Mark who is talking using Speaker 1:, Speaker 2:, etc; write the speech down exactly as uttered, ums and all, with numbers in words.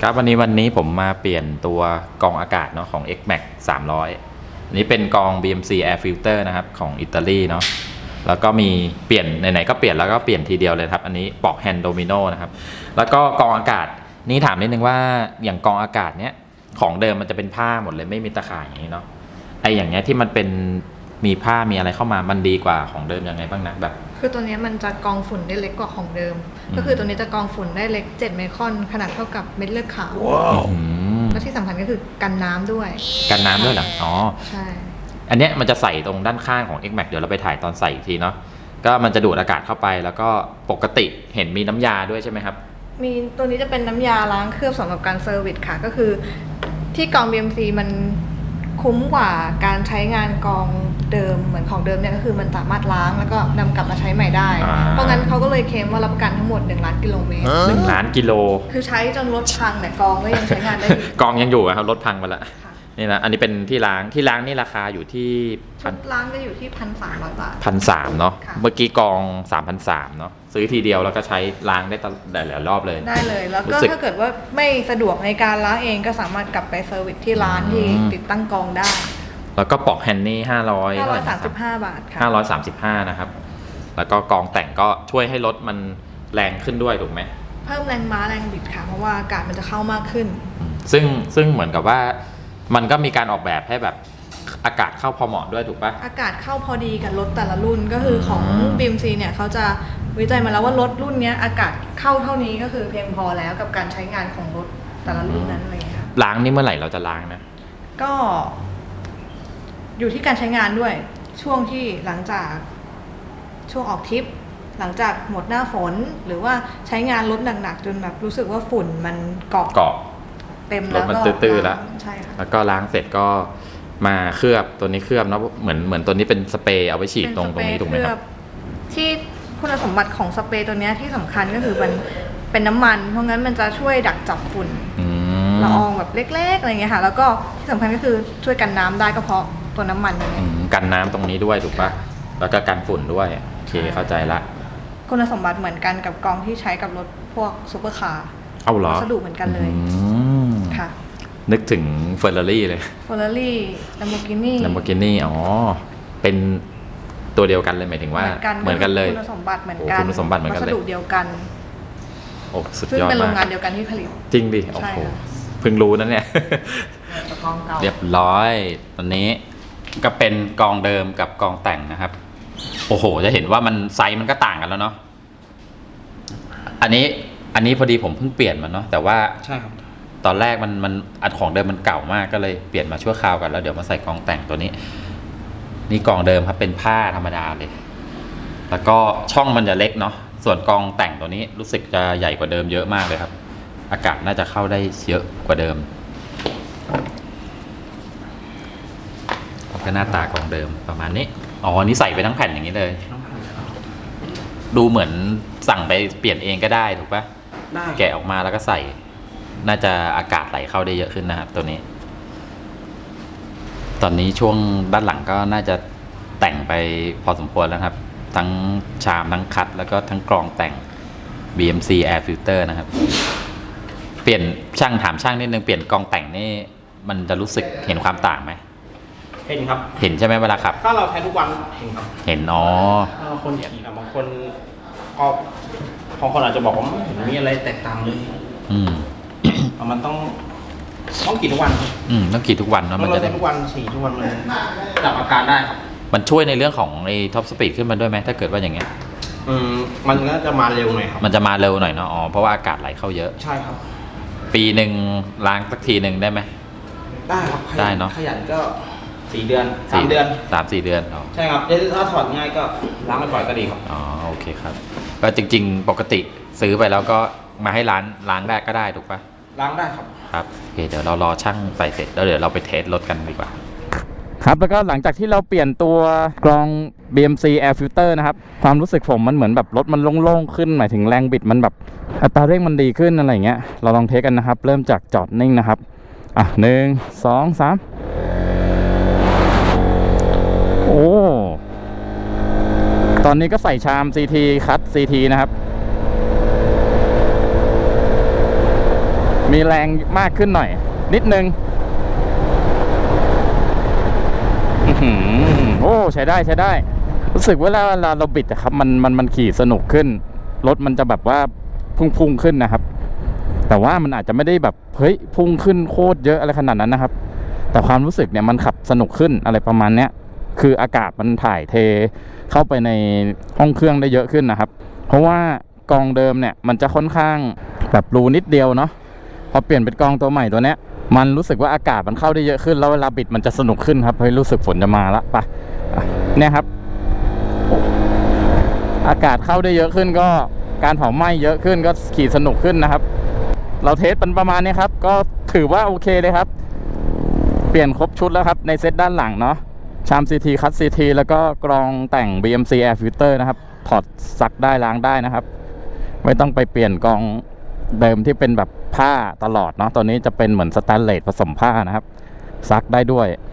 Speaker 1: ครับวันนี้วันนี้ผมมาเปลี่ยนตัวกรองอากาศเนาะของ เอ็กซ์ แม็กซ์ สามร้อยอันนี้เป็นกรอง บี เอ็ม ซี Air Filter นะครับของอิตาลีเนาะแล้วก็มีเปลี่ยนไหนๆก็เปลี่ยนแล้วก็เปลี่ยนทีเดียวเลยครับอันนี้ปอกแฮนด์โดมิโนนะครับแล้วก็กรองอากาศนี่ถามนิดนึงว่าอย่างกรองอากาศเนี้ยของเดิมมันจะเป็นผ้าหมดเลยไม่มีตะข่ายอย่างนี้เนาะไออย่างเงี้ยที่มันเป็นมีผ้ามีอะไรเข้ามามันดีกว่าของเดิมยังไงบ้างนะแบบ
Speaker 2: คือตัวนี้มันจะกรองฝุ่นได้เล็กกว่าของเดิมก็คือตัวนี้จะกรองฝุ่นได้เล็กเจ็ดไมครอนขนาดเท่ากับเม็ดเลือดขาวและที่สำคัญก็คือกันน้ำด้วย
Speaker 1: กันน้ำด้วยเหรออ๋อ
Speaker 2: ใช่
Speaker 1: อันเนี้ยมันจะใส่ตรงด้านข้างของ เอ็กซ์ แม็กซ์ เดี๋ยวเราไปถ่ายตอนใส่อีกทีเนาะก็มันจะดูดอากาศเข้าไปแล้วก็ปกติเห็นมีน้ำยาด้วยใช่ไหมครับ
Speaker 2: มีตัวนี้จะเป็นน้ำยาล้างเคลือบสำหรับการเซอร์วิสค่ะก็คือที่กรอง บี เอ็ม ซี มันคุ้มกว่าการใช้งานกรองเดิมเหมือนของเดิมเนี่ยก็คือมันสามารถล้างแล้วก็นำกลับมาใช้ใหม่ได้เพราะงั้นเขาก็เลยเคลมว่ารับประกันทั้งหมดหนึ่งล้านกิโลเมตร
Speaker 1: หนึ่งล้านกิโล
Speaker 2: คือใช้จนรถพังเนี่ยกรองก็ยังใช้งานได้อยู่
Speaker 1: กรองยังอยู่ครับรถพังไปแล้วนี่นะอันนี้เป็นที่ล้างที่ล้างนี่ราคาอยู่ที่
Speaker 2: ชุดล้างจะอยู่ที่พันสามร้อยบาท
Speaker 1: พันสามเนาะเมื่อกี้กรองสามพันสามเนาะซื้อทีเดียวแล้วก็ใช้ล้างได้ตลอดหลายรอบเลย
Speaker 2: ได้เลยแล้วก็ถ้าเกิดว่าไม่สะดวกในการล้างเองก็สามารถกลับไปเซอร์วิสที่ร้านที่ติดตั้งกรองได้
Speaker 1: แล้วก็ปอกแฮนด์นี่ห้าร้อย
Speaker 2: ห้าร้อยสามสิบห้าบาทค่ะ
Speaker 1: ห้าร้อยสามสิบห้านะครับแล้วก็กรองแต่งก็ช่วยให้รถมันแรงขึ้นด้วยถูกไหม
Speaker 2: เพิ่มแรงม้าแรงบิดค่ะเพราะว่าอากาศมันจะเข้ามากขึ้น
Speaker 1: ซึ่งซึ่งเหมือนกับว่ามันก็มีการออกแบบให้แบบอากาศเข้าพอเหมาะด้วยถูกปะ
Speaker 2: อากาศเข้าพอดีกับรถแต่ละรุ่นก็คือของ บี เอ็ม ซี เนี่ยเขาจะวิจัยมาแล้วว่ารถรุ่นนี้อากาศเข้าเท่านี้ก็คือเพียงพอแล้วกับการใช้งานของรถแต่ละรุ่นนั้นเลยค่ะ
Speaker 1: ล้างนี่เมื่อไหร่เราจะล้างนะ
Speaker 2: ก็อยู่ที่การใช้งานด้วยช่วงที่หลังจากช่วงออกทริปหลังจากหมดหน้าฝนหรือว่าใช้งานรถหนักๆจนแบบรู้สึกว่าฝุ่นมันเกาะ
Speaker 1: เกาะ
Speaker 2: เต็มแล้ว
Speaker 1: ก็ตื้อๆแล้ว
Speaker 2: ใช่ค่ะ
Speaker 1: แล้วก็ล้างเสร็จก็มาเคลือบตัวนี้เคลือบเนาะเหมือนเหมือนตัวนี้เป็นสเปรย์เอาไว้ฉีดตรงตรงนี้ถูกไหมครับ
Speaker 2: ที่คุณสมบัติของสเปรย์ตัวนี้ที่สำคัญก็คือมันเป็นน้ำมันเพราะงั้นมันจะช่วยดักจับฝุ่นละอองแบบเล็กๆอะไรเงี้ยค่ะแล้วก็ที่สำคัญก็คือช่วยกันน้ำได้ก็เพราะตัวน้ำมันนี้
Speaker 1: กันน้ำตรงนี้ด้วยถูกปะแล้วก็กันฝุ่นด้วยโอเคเข้าใจละ
Speaker 2: คุณสมบัติเหมือนกันกับกรองที่ใช้กับรถพวกซุปเปอร์คาร์
Speaker 1: เอาเหรอ
Speaker 2: วัสดุเหมือนกันเลยค่ะ
Speaker 1: นึกถึงเฟอร์รารี่เลย
Speaker 2: เฟอร์รารี่ลัมโบกินี่
Speaker 1: ลัมโบกินี่อ๋อเป็นตัวเดียวกันเลยหมายถึงว่าเหมือนกันเลย
Speaker 2: คุณสมบัติเหมือนกัน
Speaker 1: คุณสมบัติเหมือนกันเลย
Speaker 2: วัสดุเดียวกัน
Speaker 1: โอ้สุดยอดมากซึ่ง
Speaker 2: เป็นโรงงานเดียวกันที่ผลิต
Speaker 1: จริงดิโอ้โหเพิ่งรู้นะเนี่ยเรียบร้อยตอนนี้ก็เป็นกองเดิมกับกองแต่งนะครับโอ้โหจะเห็นว่ามันไซส์มันก็ต่างกันแล้วเนาะอันนี้อันนี้พอดีผมเพิ่งเปลี่ยนมันเนาะแต่ว่า
Speaker 3: ใช่ครับ
Speaker 1: ตอนแรกมันมันอันของเดิมมันเก่ามากก็เลยเปลี่ยนมาชั่วคราวกันแล้วเดี๋ยวมาใส่กองแต่งตัวนี้นี่กองเดิมครับเป็นผ้าธรรมดาเลยแล้วก็ช่องมันจะเล็กเนาะส่วนกองแต่งตัวนี้รู้สึกจะใหญ่กว่าเดิมเยอะมากเลยครับอากาศน่าจะเข้าได้เยอะกว่าเดิมก็หน้าตากองเดิมประมาณนี้อ๋อนี่ใส่ไปทั้งแผ่นอย่างนี้เลยดูเหมือนสั่งไปเปลี่ยนเองก็ได้ถูกปะ
Speaker 3: ได้
Speaker 1: แกะออกมาแล้วก็ใส่น่าจะอากาศไหลเข้าได้เยอะขึ้นนะครับตัวนี้ตอนนี้ช่วงด้านหลังก็น่าจะแต่งไปพอสมควรแล้วครับทั้งชามทั้งคัดแล้วก็ทั้งกรองแต่ง บี เอ็ม ซี Air Filter นะครับเปลี่ยนช่างถามช่างนิดนึงเปลี่ยนกรองแต่งนี่มันจะรู้สึกเห็นความต่างไหม
Speaker 3: เห็นครับ
Speaker 1: เห็นใช่ไหมเวลาขับ
Speaker 3: ถ้าเราใช้ทุกวันเห็นครับ
Speaker 1: เห็นอ๋
Speaker 3: อบางคนขี่บางคนก็บางคนอาจจะบอกว่าไม่เห็นมีอะไรแตกต่างเลย
Speaker 1: อืม
Speaker 3: มันต้องต้องขี่ทุกวัน
Speaker 1: อืมต้องขี่ทุกวันเนาะ
Speaker 3: มันจะได้ทุกวันขี่ทุกวันมันจับอาการได้ครับ
Speaker 1: มันช่วยในเรื่องของไอ้ท็อปสปีดขึ้นมาด้วยไหมถ้าเกิดว่าอย่างเงี้ย
Speaker 3: อืมมันก็จะมาเร็วหน่อยครับ
Speaker 1: มันจะมาเร็วหน่อยเนาะอ๋อเพราะว่าอากาศไหลเข้าเยอะ
Speaker 3: ใช่ครับ
Speaker 1: ปีหนึ่งล้างสักทีหนึ่งได้ไหม
Speaker 3: ได้ครับ
Speaker 1: ได้เนาะ
Speaker 3: ขยันก็สี่เดือนสามเดือน
Speaker 1: สามสี่เดือน
Speaker 3: ใช่ครับถ้าถอดง่ายก็ล้างบ่อยๆก็ดีครับ
Speaker 1: อ๋อโอเคครับก็จริงๆปกติซื้อไปแล้วก็มาให้ร้านล้างได้ก็ได้ถูกปะ
Speaker 3: ล้างได้ครับ
Speaker 1: ครับโอเคเดี๋ยวเรารอช่างใส่เสร็จแล้วเดี๋ยวเราไปเทสรถกันดีกว่าครับแล้วก็หลังจากที่เราเปลี่ยนตัวกรอง บี เอ็ม ซี Air Filter นะครับความรู้สึกผมมันเหมือนแบบรถมันโล่งๆขึ้นหมายถึงแรงบิดมันแบบอัตราเร่งมันดีขึ้นอะไรเงี้ยเราลองเทสกันนะครับเริ่มจากจอดนิ่งนะครับอ่ะหนึ่งสองสามโอ้ตอนนี้ก็ใส่ชาม ซี ที คัท ซี ที นะครับมีแรงมากขึ้นหน่อย นิดนึงอื้อหือโอ้ใช้ได้ใช้ได้ รู้สึกว่าเวลาเราบิดอะครับมันมันมันขี่สนุกขึ้นรถมันจะแบบว่าพุ่งๆขึ้นนะครับ แต่ว่ามันอาจจะไม่ได้แบบเฮ้ยพุ่งขึ้นโคตรเยอะอะไรขนาดนั้นนะครับ แต่ความรู้สึกเนี่ยมันขับสนุกขึ้นอะไรประมาณเนี้ยคืออากาศมันถ่ายเทเข้าไปในห้องเครื่องได้เยอะขึ้นนะครับ เพราะว่ากองเดิมเนี่ยมันจะค่อนข้างแบบรูนิดเดียวเนาะพอเปลี่ยนเป็นกองตัวใหม่ตัวเนี้ยมันรู้สึกว่าอากาศมันเข้าได้เยอะขึ้นแล้วเวลาบิดมันจะสนุกขึ้นครับเฮ้ยรู้สึกฝนจะมาละไปเนี่ยครับอากาศเข้าได้เยอะขึ้นก็การเผาไหม้เยอะขึ้นก็ขี่สนุกขึ้นนะครับเราเทสเป็นประมาณนี้ครับก็ถือว่าโอเคเลยครับเปลี่ยนครบชุดแล้วครับในเซตด้านหลังเนาะชาม ซี ที คัท ซี ที แล้วก็กรองแต่ง บี เอ็ม ซี Air Filter นะครับถอดซักได้ล้างได้นะครับไม่ต้องไปเปลี่ยนกรองเดิมที่เป็นแบบผ้าตลอดเนาะตัวนี้จะเป็นเหมือนสแตนเลสผสมผ้านะครับซักได้ด้วย